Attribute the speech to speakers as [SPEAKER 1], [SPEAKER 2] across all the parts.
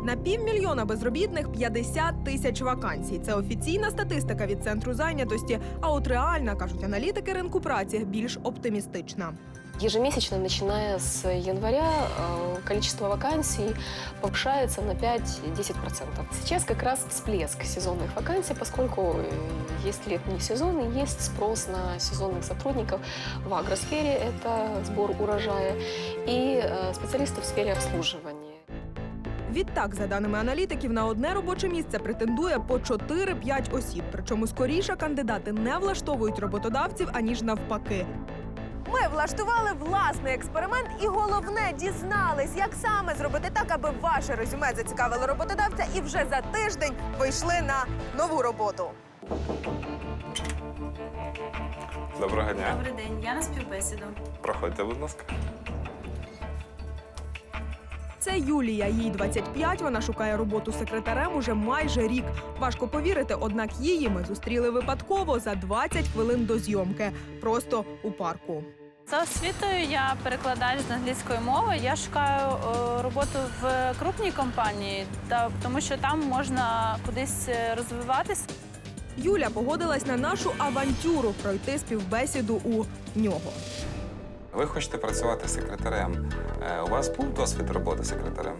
[SPEAKER 1] На 500 000 безробітних 50 тисяч вакансій. Це офіційна статистика від Центру зайнятості, а от реальна, кажуть аналітики ринку праці, більш оптимістична.
[SPEAKER 2] Ежемесячно, начиная с января, количество вакансий повышается на 5-10%. Сейчас как раз всплеск сезонных вакансий, поскольку есть летний сезон и есть спрос на сезонных сотрудников в агросфере, это сбор урожая, и специалистов в сфере обслуживания.
[SPEAKER 1] Відтак, за даними аналітиків, на одне робоче місце претендує по 4-5 осіб. Причому скоріше кандидати не влаштовують роботодавців, аніж навпаки. Ми влаштували власний експеримент і, головне, дізнались, як саме зробити так, аби ваше резюме зацікавило роботодавця і вже за тиждень вийшли на нову роботу.
[SPEAKER 3] Доброго дня.
[SPEAKER 4] Добрий день, я на співбесіду.
[SPEAKER 3] Проходьте, будь ласка.
[SPEAKER 1] Це Юлія, їй 25, вона шукає роботу секретарем уже майже рік. Важко повірити, однак її ми зустріли випадково за 20 хвилин до зйомки. Просто у парку.
[SPEAKER 4] За освітою я перекладач з англійської мови. Я шукаю роботу в крупній компанії, тому що там можна кудись розвиватися.
[SPEAKER 1] Юля погодилась на нашу авантюру пройти співбесіду у нього.
[SPEAKER 3] Ви хочете працювати секретарем. У вас був досвід роботи секретарем?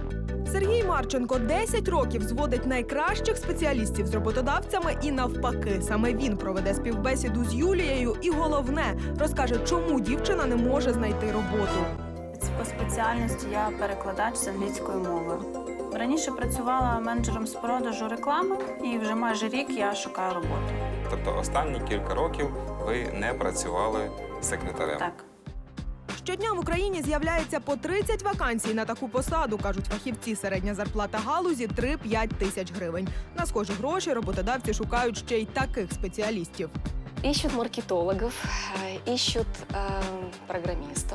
[SPEAKER 1] Сергій Марченко 10 років зводить найкращих спеціалістів з роботодавцями і навпаки. Саме він проведе співбесіду з Юлією і, головне, розкаже, чому дівчина не може знайти роботу.
[SPEAKER 4] По спеціальності я перекладач з англійської мови. Раніше працювала менеджером з продажу реклами, і вже майже рік я шукаю роботу.
[SPEAKER 3] Тобто останні кілька років ви не працювали секретарем?
[SPEAKER 4] Так.
[SPEAKER 1] Щодня в Україні з'являється по 30 вакансій на таку посаду, кажуть фахівці. Середня зарплата галузі – 3-5 тисяч гривень. На схожі гроші роботодавці шукають ще й таких спеціалістів.
[SPEAKER 2] Ищут маркетологов, ищут программистов.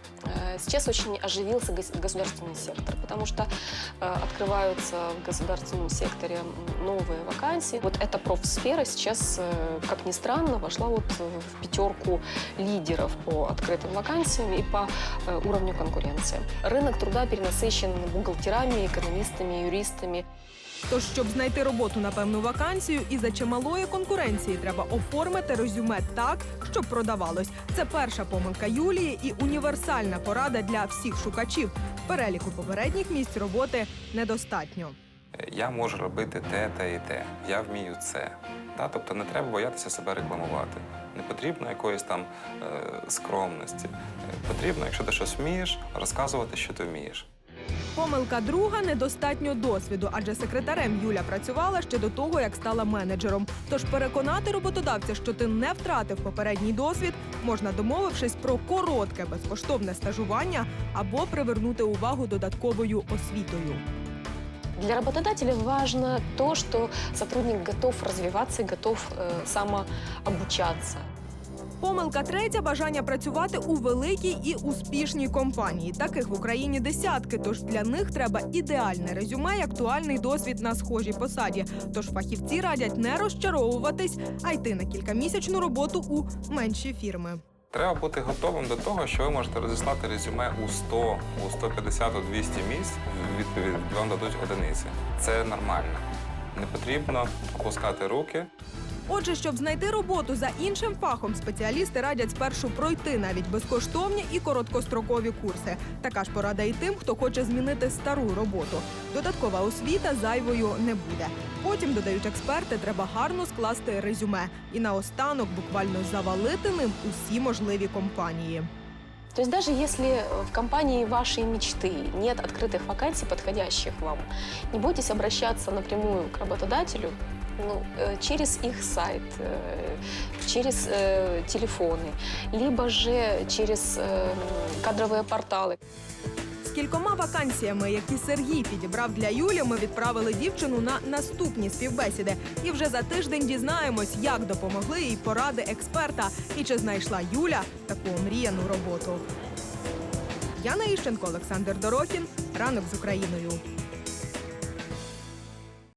[SPEAKER 2] Сейчас очень оживился государственный сектор, потому что открываются в государственном секторе новые вакансии. Вот эта профсфера сейчас, как ни странно, вошла вот в пятерку лидеров по открытым вакансиям и по уровню конкуренции. Рынок труда перенасыщен бухгалтерами, экономистами, юристами.
[SPEAKER 1] Тож, щоб знайти роботу на певну вакансію, із-за чималої конкуренції треба оформити резюме так, щоб продавалось. Це перша помилка Юлії і універсальна порада для всіх шукачів. Переліку попередніх місць роботи недостатньо.
[SPEAKER 3] Я можу робити те і те. Я вмію це. Тобто не треба боятися себе рекламувати. Не потрібно якоїсь там скромності. Потрібно, якщо ти щось вмієш, розказувати, що ти вмієш.
[SPEAKER 1] Помилка друга – недостатньо досвіду, адже секретарем Юля працювала ще до того, як стала менеджером. Тож переконати роботодавця, що ти не втратив попередній досвід, можна, домовившись про коротке безкоштовне стажування або привернути увагу додатковою освітою.
[SPEAKER 2] Для работодателя важно то, что сотрудник готов развиваться и готов самообучаться.
[SPEAKER 1] Помилка третя – бажання працювати у великій і успішній компанії. Таких в Україні десятки, тож для них треба ідеальне резюме і актуальний досвід на схожій посаді. Тож фахівці радять не розчаровуватись, а йти на кількамісячну роботу у менші фірми.
[SPEAKER 3] Треба бути готовим до того, що ви можете розіслати резюме у 100, у 150, у 200 місць, відповідь вам дадуть одиниці. Це нормально. Не потрібно опускати руки.
[SPEAKER 1] Отже, щоб знайти роботу за іншим фахом, спеціалісти радять спершу пройти навіть безкоштовні і короткострокові курси. Така ж порада і тим, хто хоче змінити стару роботу. Додаткова освіта зайвою не буде. Потім, додають експерти, треба гарно скласти резюме. І наостанок буквально завалити ним усі можливі компанії.
[SPEAKER 2] То есть даже если в компании вашей мечты нет открытых вакансий, подходящих вам, не бойтесь обращаться напрямую к работодателю, через их сайт, через телефоны, либо же через кадровые порталы.
[SPEAKER 1] З кількома вакансіями, які Сергій підібрав для Юлі, ми відправили дівчину на наступні співбесіди. І вже за тиждень дізнаємось, як допомогли їй поради експерта і чи знайшла Юля таку омріяну роботу. Яна Іщенко, Олександр Дорохін. Ранок з Україною.